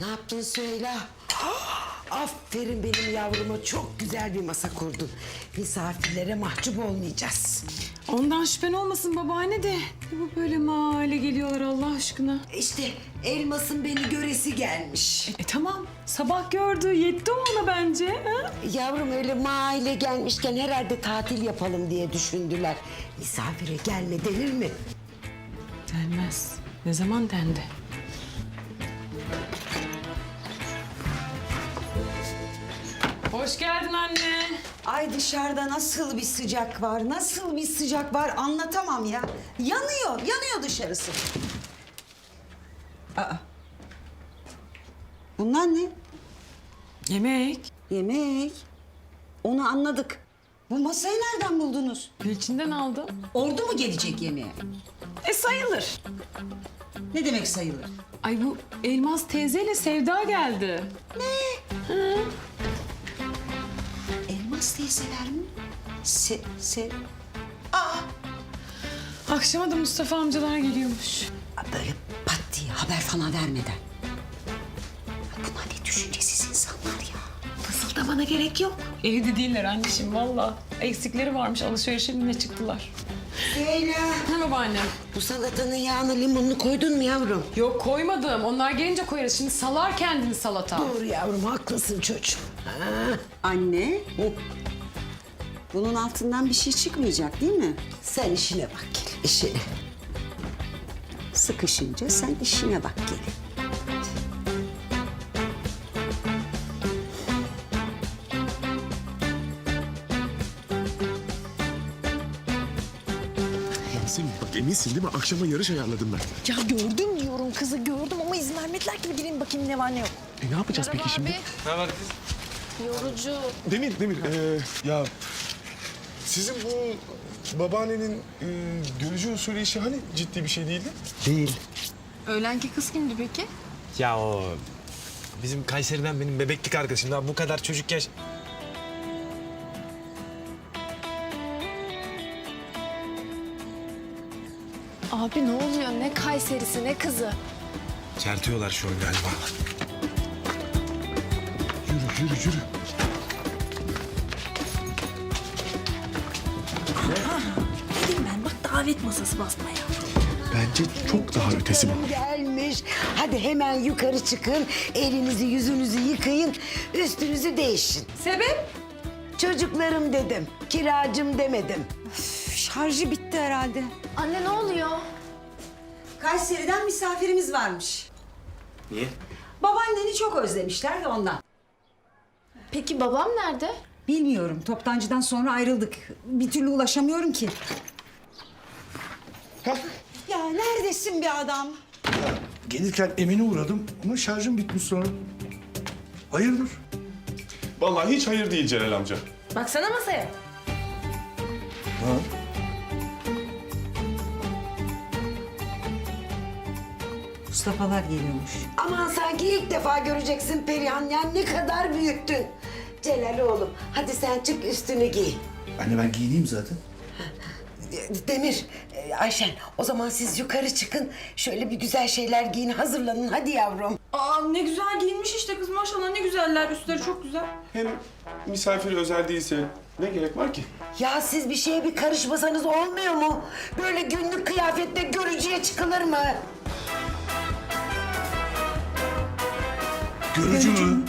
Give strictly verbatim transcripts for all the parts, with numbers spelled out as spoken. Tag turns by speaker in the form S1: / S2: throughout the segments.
S1: Ne yaptın söyle. Aferin benim yavruma, çok güzel bir masa kurdun. Misafirlere mahcup olmayacağız.
S2: Ondan şüphen olmasın babaanne de. Bu böyle mahalle geliyorlar Allah aşkına.
S1: İşte Elmas'ın beni göresi gelmiş.
S2: E tamam sabah gördü yetti o ona bence. Ha?
S1: Yavrum öyle mahalle gelmişken herhalde tatil yapalım diye düşündüler. Misafire gelme denir mi?
S2: Denmez. Ne zaman dendi? Hoş geldin anne.
S3: Ay dışarıda nasıl bir sıcak var, nasıl bir sıcak var anlatamam ya. Yanıyor, yanıyor dışarısı. Aa. Bunlar ne?
S2: Yemek.
S3: Yemek. Onu anladık. Bu masayı nereden buldunuz?
S2: Gülçin'den aldım.
S3: Ordu mu gelecek yemeğe?
S2: E sayılır.
S3: Ne demek sayılır?
S2: Ay bu Elmas teyzeyle Sevda geldi.
S3: Elmas teyzeler mi? Se, se... Aa!
S2: Akşama da Mustafa amcalar geliyormuş.
S3: Böyle pat diye haber falan vermeden. Bunlar ne düşüncesiz insanlar ya.
S2: Fısıldamana gerek yok. Evde değiller anneciğim valla. Eksikleri varmış alışverişe yine çıktılar.
S1: Leyla,
S2: Ne babaannem?
S1: bu salatanın yağını limonunu koydun mu yavrum?
S2: Yok koymadım. Onlar gelince koyarız. Şimdi salar kendini salata.
S1: Doğru yavrum, haklısın çocuğum. Ha.
S3: Anne, bunun altından bir şey çıkmayacak değil mi?
S1: Sen işine bak gel, işine.
S3: Sıkışınca sen işine bak gelin.
S4: Yasemin bak eminsin değil mi? Akşama yarış ayarladım ben.
S5: Ya gördüm diyorum kızı gördüm ama izin vermediler ki bir gireyim bakayım ne var ne yok.
S4: E ne yapacağız peki şimdi?
S5: Yorucu.
S4: Demir, Demir. ee, ya sizin bu babaannenin e, görücü usulü işi hani ciddi bir şey değildi?
S6: Değil.
S5: Öğlenki kız kimdi peki?
S6: Ya o bizim Kayseri'den benim bebeklik arkadaşım. Daha bu kadar çocuk yaş...
S5: Abi ne oluyor ne Kayserisi ne kızı?
S6: Çertiyorlar şu an galiba.
S4: Yürü, yürü, yürü.
S5: Dedim ben bak davet masası basmaya.
S4: Bence çok daha ötesi bu.
S1: Gelmiş. Hadi hemen yukarı çıkın. Elinizi yüzünüzü yıkayın. Üstünüzü değişin.
S2: Sebep?
S1: Çocuklarım dedim. Kiracım demedim.
S3: Şarjı bitti herhalde.
S5: Anne ne oluyor?
S3: Kayseri'den misafirimiz varmış.
S6: Niye?
S3: Babaanneni çok özlemişler de ondan.
S5: Peki babam nerede?
S3: Bilmiyorum, toptancıdan sonra ayrıldık. Bir türlü ulaşamıyorum ki.
S4: Hah.
S3: Ya neredesin be adam?
S7: Gelirken Emin'e uğradım ama şarjım bitmiş sonra. Hayırdır?
S4: Vallahi hiç hayır değil Celal amca.
S5: Baksana masaya.
S7: Ha?
S3: Mustafa'lar geliyormuş.
S1: Aman sanki ilk defa göreceksin Perihan. Ya ne kadar büyüttün. Celal oğlum, hadi sen çık üstünü giy.
S7: Anne ben giyineyim zaten.
S1: Demir, e, Ayşen, o zaman siz yukarı çıkın. Şöyle bir güzel şeyler giyin, hazırlanın. Hadi yavrum.
S2: Aa ne güzel giyinmiş işte kız maşallah ne güzeller. Üstleri çok güzel.
S4: Hem misafir özel değilse ne gerek var ki?
S1: Ya siz bir şeye bir karışmasanız olmuyor mu? Böyle günlük kıyafetle görücüye çıkılır mı?
S7: Görücü mü?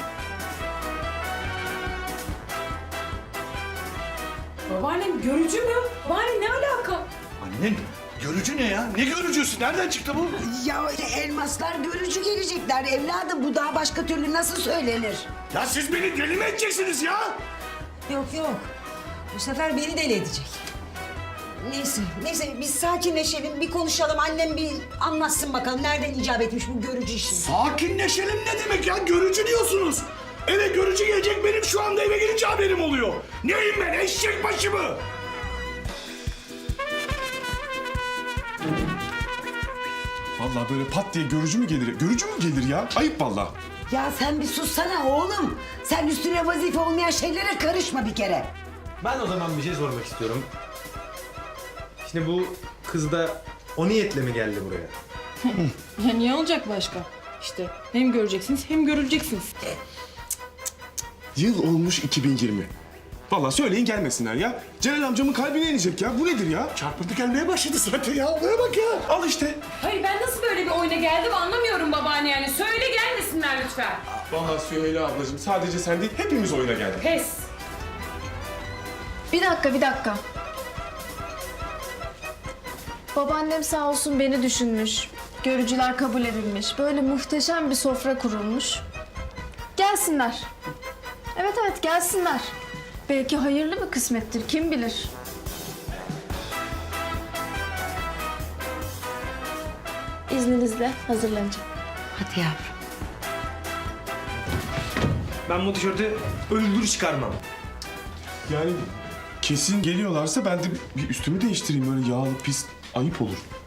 S2: Babaannem görücü mü? Babaanne ne alaka?
S7: Anne görücü ne ya? Ne görücüsü? Nereden çıktı bu?
S1: Ya elmaslar görücü gelecekler evladım. Bu daha başka türlü nasıl söylenir?
S7: Ya siz beni deli mi edeceksiniz ya?
S3: Yok yok. Bu sefer beni deli edecek. Neyse, neyse biz sakinleşelim, bir konuşalım. Annem bir anlatsın bakalım nereden icap etmiş bu görücü işi.
S7: Sakinleşelim ne demek ya? Görücü diyorsunuz. Eve görücü gelecek, benim şu anda eve gelince haberim oluyor. Neyim ben, eşek başı mı?
S4: Vallahi böyle pat diye görücü mü gelir? Görücü mü gelir ya? Ayıp vallahi.
S1: Ya sen bir sussana oğlum. Sen üstüne vazife olmayan şeylere karışma bir kere.
S6: Ben o zaman bir şey sormak istiyorum. Şimdi bu kız da o niyetle mi geldi buraya?
S2: Ya niye olacak başka? İşte hem göreceksiniz hem görüleceksiniz.
S4: Yıl olmuş iki bin yirmi. Vallahi söyleyin gelmesinler ya. Celal amcamın kalbine inecek ya. Bu nedir ya?
S7: Çarpıntı gelmeye başladı zaten ya. Olaya bak ya.
S4: Al işte.
S2: Hayır ben nasıl böyle bir oyuna geldim anlamıyorum babaanne yani. Söyle gelmesinler lütfen.
S4: Vallahi Süheyla ablacığım sadece sen değil hepimiz oyuna geldik.
S2: Pes.
S5: Bir dakika, bir dakika. Babaannem sağ olsun beni düşünmüş. Görücüler kabul edilmiş. Böyle muhteşem bir sofra kurulmuş. Gelsinler. Evet evet gelsinler. Belki hayırlı bir kısmettir, kim bilir. İzninizle hazırlanacağım.
S1: Hadi yavrum.
S6: Ben bu tişörtü öldür çıkarmam.
S4: Yani kesin geliyorlarsa ben de bir üstümü değiştireyim. Böyle yağlı pis ayıp olur.